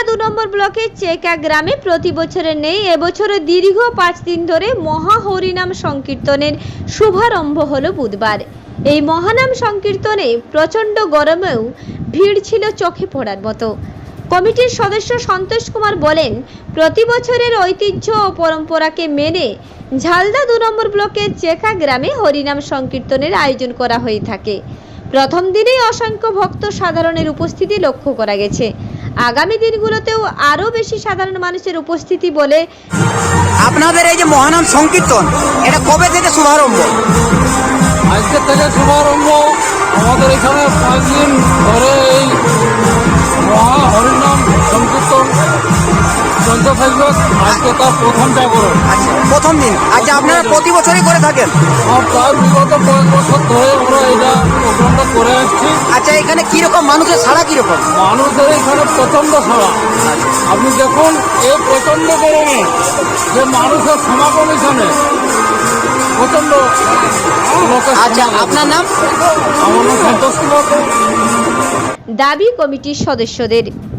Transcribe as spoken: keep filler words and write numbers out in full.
দু নম্বর ব্লকের চেকা গ্রামে প্রতি বছরের নেই এবছরে দীর্ঘ পাঁচ দিন ধরে মহা হরিনাম সংকীর্তনের শুভারম্ভ হলো বুধবার। এই মহানাম সংকীর্তনে প্রচণ্ড গরমেও ভিড় ছিল চোখে পড়ার মতো। কমিটির সদস্য সন্তোষ কুমার বলেন, প্রতি বছরের ঐতিহ্য ও পরম্পরাকে মেনে ঝালদা দু নম্বর ব্লকের চেকা গ্রামে হরিনাম সংকীর্তনের আয়োজন করা হয়ে থাকে। প্রথম দিনেই অসংখ্য ভক্ত সাধারণের উপস্থিতি লক্ষ্য করা গেছে। আগামী দিনগুলোতেও আরো বেশি সাধারণ মানুষের উপস্থিতি বলে। আপনাদের এই যে মহানাম সংকীর্তন, এটা কবে থেকে শুভারম্ভ? আজকে থেকে শুভারম্ভ। আমাদের এখানে পাঁচ দিন ধরে এই মহা হরিনাম সংকীর্তন চলতে থাকবে। আজকে তার প্রথম জাগরণ। আচ্ছা, প্রথম দিন। আচ্ছা, আপনারা প্রতি বছরই করে থাকেন? আর প্রায় বিগত কয়েক বছর ধরে আমরা এটা প্রোগ্রামটা করে আসছি। আচ্ছা, এখানে কিরকম মানুষের সাড়া কিরকম? মানুষের এখানে প্রচণ্ড সাড়া। আপনি দেখুন এই প্রচণ্ড গরমে যে মানুষের সমাগম এখানে প্রচণ্ড। আচ্ছা, আপনার নাম? আমার নাম সন্তোষ কুমার। দাবি কমিটির সদস্যদের।